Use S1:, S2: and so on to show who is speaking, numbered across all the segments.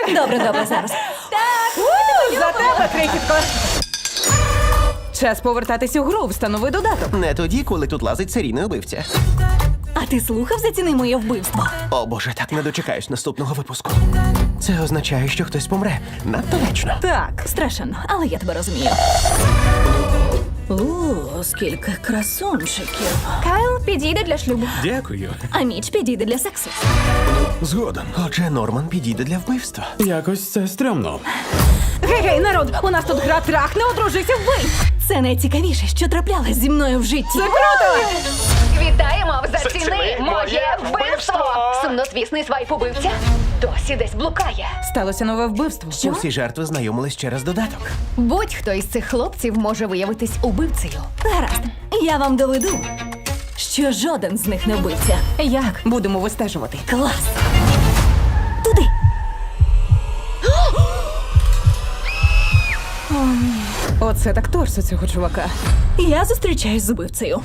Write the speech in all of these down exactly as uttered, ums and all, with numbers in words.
S1: Добре, добре, зараз.
S2: За тебе, крихітко! Час повертатись у гру, встанови додаток.
S3: Не тоді, коли тут лазить серійний убивця.
S1: А ти слухав «Заціни моє вбивство»?
S3: О боже, так не дочекаюсь наступного випуску. Це означає, що хтось помре. Надто вечно.
S2: Так,
S1: Страшенно, але я тебе розумію. О, скільки красунчиків.
S4: Кайл підійде для шлюбу.
S5: Дякую.
S1: А Міч підійде для сексу.
S5: Згоден.
S3: Отже, Норман підійде для вбивства.
S5: Якось це стрьомно.
S2: гей-гей, народ, у нас тут гра трахне, одружися, вбий!
S1: Це найцікавіше, що траплялось зі мною в житті.
S2: Це круто!
S4: Вітаємо в «Заціни
S6: «Заціни
S4: моє
S6: моє
S4: вбивство».
S6: вбивство.
S4: Сумнозвісний свайп убивця досі десь блукає.
S2: Stалося нове вбивство.
S1: Що?
S3: Усі жертви знайомились через додаток.
S4: Будь-хто із цих хлопців може виявитись убивцею.
S1: Гаразд, я вам доведу, що жоден з них не вбивця.
S2: Як? Будемо вистежувати.
S1: Клас! Туди!
S2: Оце так торсо цього чувака.
S1: Я зустрічаюсь з убивцею.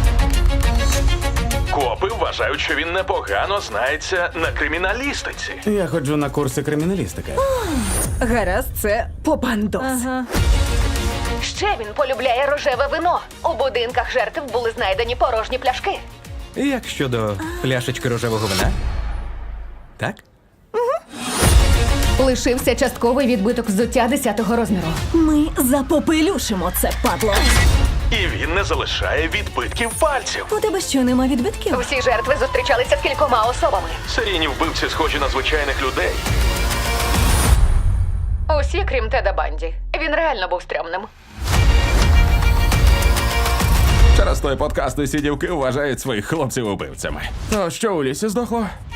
S6: Копи вважають, що він непогано знається на криміналістиці.
S5: Я ходжу на курси криміналістики.
S2: Гаразд, це попандос.
S1: Ага.
S4: Ще він полюбляє рожеве вино. У будинках жертв були знайдені порожні пляшки.
S7: Як щодо пляшечки рожевого вина? Так?
S4: Лишився частковий відбиток взуття десятого розміру.
S1: Ми запопелюшимо це, падло.
S6: І він не залишає відбитків пальців.
S1: У тебе що, нема відбитків?
S4: Всі жертви зустрічалися з кількома особами.
S6: Серійні вбивці схожі на звичайних людей.
S4: Усі, крім Теда Банді. Він реально був стрьомним.
S5: Через той подкаст усі дівки вважають своїх хлопців убивцями. То що у лісі здохло?